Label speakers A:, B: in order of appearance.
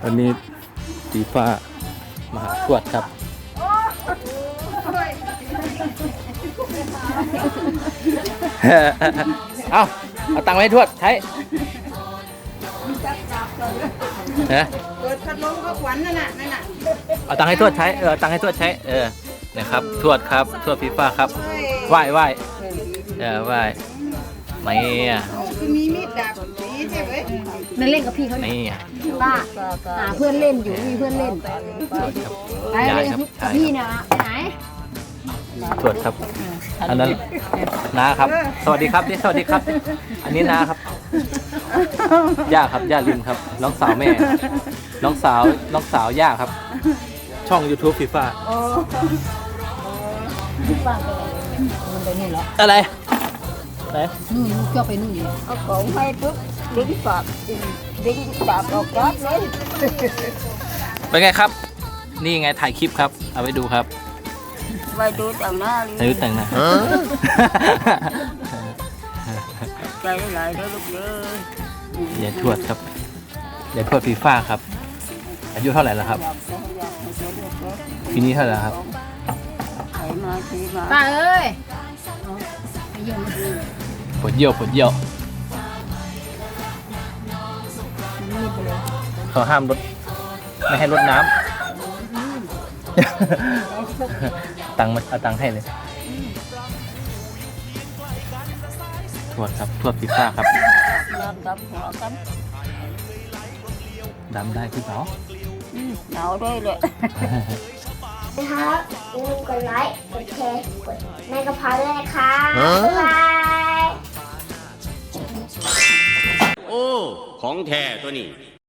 A: วันนี้สีฟ้ามหาทวดครับเอาตังค์ไว้ทวดใช้
B: เปิดพัดลมเขาขวัญนั่นน่ะ
A: เอาตังค์ให้ทวดใช้เอาตังค์ให้ทวดใช้นะครับทวดครับทวดฟีฟ้าครับไหว้ไหว้ไม่
B: คือมีมีดดาบสีใช่ไหม
C: นั่นเล่นกับพี่เขา
A: นี่
C: ป้าหาเพื่อนเล่นอยู่มีเพื่อนเล่นไปเลยกับพี่นะไหน
A: ทวดครับอันนั้นน้าครับสวัสดีครับนี่สวัสดีครับอันนี้น้าครับย่าครับย่าลิมครับน้องสาวแม่น้องสาวย่าครับช่อง YouTube ฟีฟ้า
C: ป้ามันไปนี่เหรอ
A: อะไรไหน
C: นู่นก็ไปนู่นอยู่
B: เอาของให้ปุ๊บดึงปากดึงปากออกก๊อดเลย
A: เป็นไงครับนี่ไงถ่ายคลิปครับเอาไปดูครับ
B: ไปดูแต่งหน้าเลย
A: ถ่ายรูปแต่งหน้า
B: ใจหลายแล้วลูกเอ้ย
A: ยายทวดครับยายทวดฟีฟ้าครับอายุเท่าไหร่แล้วครับปีนี้เท่าไหร่ครับ
B: ใส่มาทีมา
C: ป้าเอ้ย
A: ปวดเยี่ยวเขาห้ามรถไม่ให้รดน้ำตังค์มาเอาตังค์ให้เลยทวดครับทวดฟีฟ้าครับ
B: น้ำดำหัวกัน
A: ดำได้พี่เต๋า
B: หนาวด้วยเลย
D: นะครับอย่าลืมกดไลค์ กดแชร์ กดในกระเพราด้วยนะคะบ๊ายบาย
E: โอ้ ของแท้ตัวนี้